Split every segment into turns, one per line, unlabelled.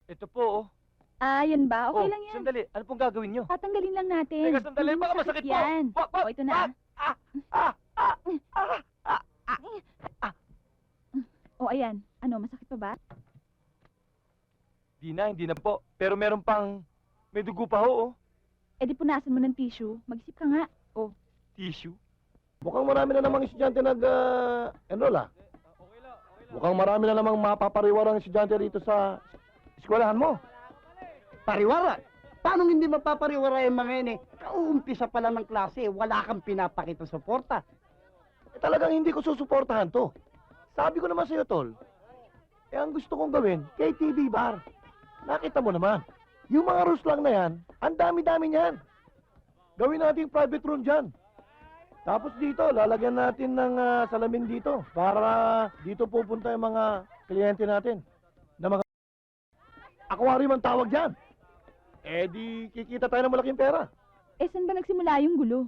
Ito po, oh.
Ah, yan ba? Okay
Oh,
lang yan.
sandali. Ano pong gagawin nyo?
Tatanggalin lang natin.
Teka, sandali.
Hindi
Baka
masakit
masakit po.
yan.
Wag!
O, ito na.
Wag! Ah! Ah! Ah! Ah! Ah!
O, ayan. Ano, masakit pa ba?
Hindi na po. Pero meron pang... May dugo pa ho, oh.
Eh di punasan mo ng tissue. Mag-isip ka nga. O,
Tissue.
Mukhang marami na namang estudyante nag-enroll Mukhang marami na namang mapapariwara ang estudyante rito sa eskwelahan mo.
Pariwara? Paano hindi mapapariwara yung mga yun eh? Kauumpisa pa lang ng klase, wala kang pinapakita suporta.
Talagang hindi ko susuportahan to. Sabi ko naman sa'yo, Tol. Ang gusto kong gawin, KTV bar. Nakita mo naman. Yung mga rules lang na yan, ang dami-dami niyan. Gawin natin private room dyan. Tapos dito, lalagyan natin ng salamin dito para dito pupunta yung mga kliyente natin na mga aquarium ang tawag dyan. Eh di kikita tayo ng malaking pera.
eh saan ba nagsimula yung gulo?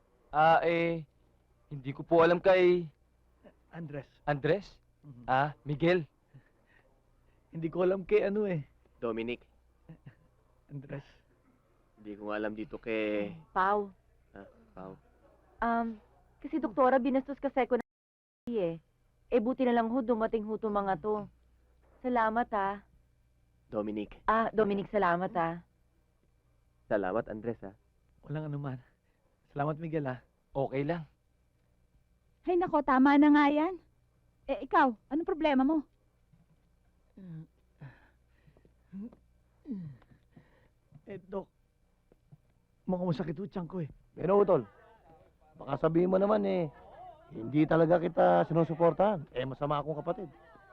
Hindi ko po alam kay...
Andres,
Andres? Miguel?
hindi ko alam kay ano eh.
Dominic,
Andres.
hindi ko nga alam dito kay...
Pau,
Pao.
kasi doktora, binastos kasi ko na eh. Eh, buti na lang ho, dumating ho itong mga to. Salamat, ha.
Dominic.
Dominic, salamat, ha.
Salamat, Andres, ha.
Walang anuman. Salamat, Miguel, ah.
Okay lang.
Ay nako, tama na nga yan. Eh ikaw, anong problema mo?
Dok. Mukhang masakit ho tiyan ko eh.
Pero, Tol, baka sabihin mo naman hindi talaga kita sinusuportahan. Masama akong kapatid.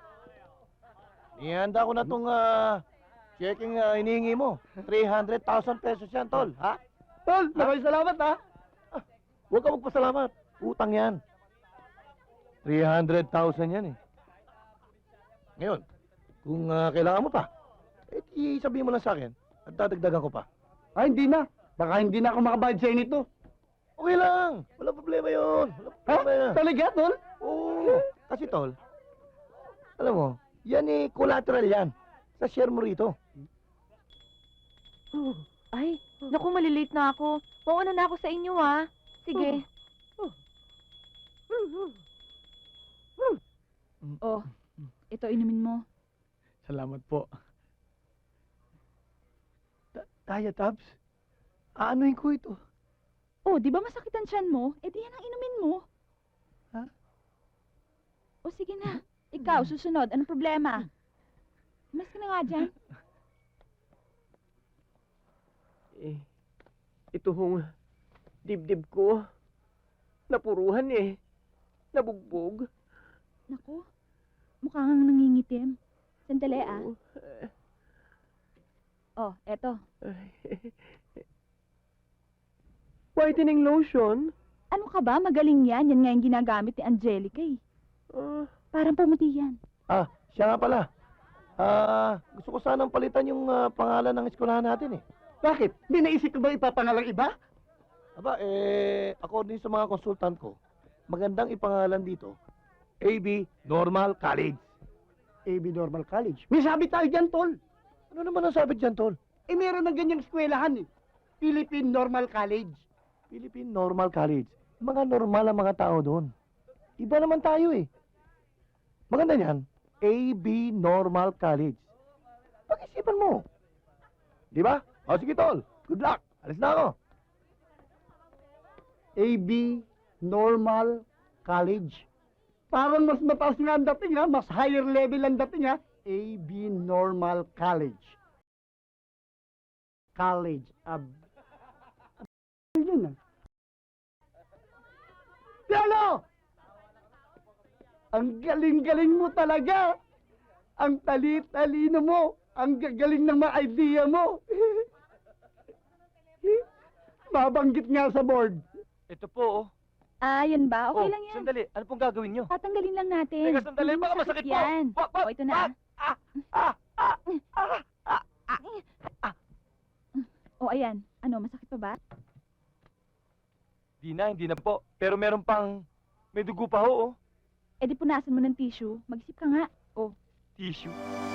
Ihanda ko na tong checking hinihingi mo. 300,000 pesos yan, Tol. Ha?
Tol, maraming salamat ha.
Huwag ka magpasalamat. Utang yan. 300,000 yan eh. Ngayon, kung kailangan mo pa, sabihin mo lang sa akin at dadagdagan ko pa.
Hindi na. Baka hindi na ako makabayad sa'yo nito.
Okay lang. Walang problema yun. Walang
Ha?
problema yan.
Talaga, Tol?
Oo. Kasi, Tol, alam mo, yan collateral yan. Sa share mo rito.
Ay, naku, malilate na ako. Mauna na ako sa inyo, ha. Sige.
Oh, ito inumin mo.
Salamat po. Kaya, Tabs? Aanuhin ko ito.
Oh, di ba masakit ang tiyan mo? Eh di yan ang inumin mo.
Ha?
O sige na. Ikaw, susunod. Anong problema? Mas ka na nga dyan.
Ito hong dibdib ko. Napuruhan eh. Nabugbog.
Naku, mukha kang nangingitim. Sandali ah. Oh, eto.
Whitening lotion?
Ano ka ba? Magaling yan. Yan nga yung ginagamit ni Angelica eh. Parang pumuti yan.
Siya nga pala. Gusto ko sanang palitan yung pangalan ng eskwelahan natin eh.
Bakit? Hindi naisip ko ba ipapangalang iba?
Aba, according sa mga consultant ko, magandang ipangalan dito, AB Normal College.
AB Normal College. May sabi tayo dyan, Tol.
Ano naman ang sabi dyan, Tol?
Meron ng ganyang eskwelahan eh. Philippine Normal College.
Philippine Normal College. Mga normal ang mga tao doon. Iba naman tayo eh. Maganda niyan, AB Normal College. Pag-isipan mo. Di ba? O sige, Tol. Good luck. Alis na ako.
AB Normal College. Parang mas mataas nga ang dating ha. Mas higher level ang dating ha. AB Normal College. College. Yun ah. Piano! Ang galing-galing mo talaga. Ang tali-talino mo. Ang gagaling ng mga idea mo. Mabanggit nga sa board.
Ito po, oh.
Ah, yan ba? Okay
Oh,
lang yan.
sandali. Ano pong gagawin nyo?
Tatanggalin lang natin.
Teka, sandali.
Hindi
Baka masakit po.
yan.
Wag!
O, ito na. O, ayan. Ano, masakit pa ba?
Hindi na po. Pero meron pang... May dugo pa ho, oh.
Eh di punasan mo ng tissue. Mag-isip ka nga.
Tissue.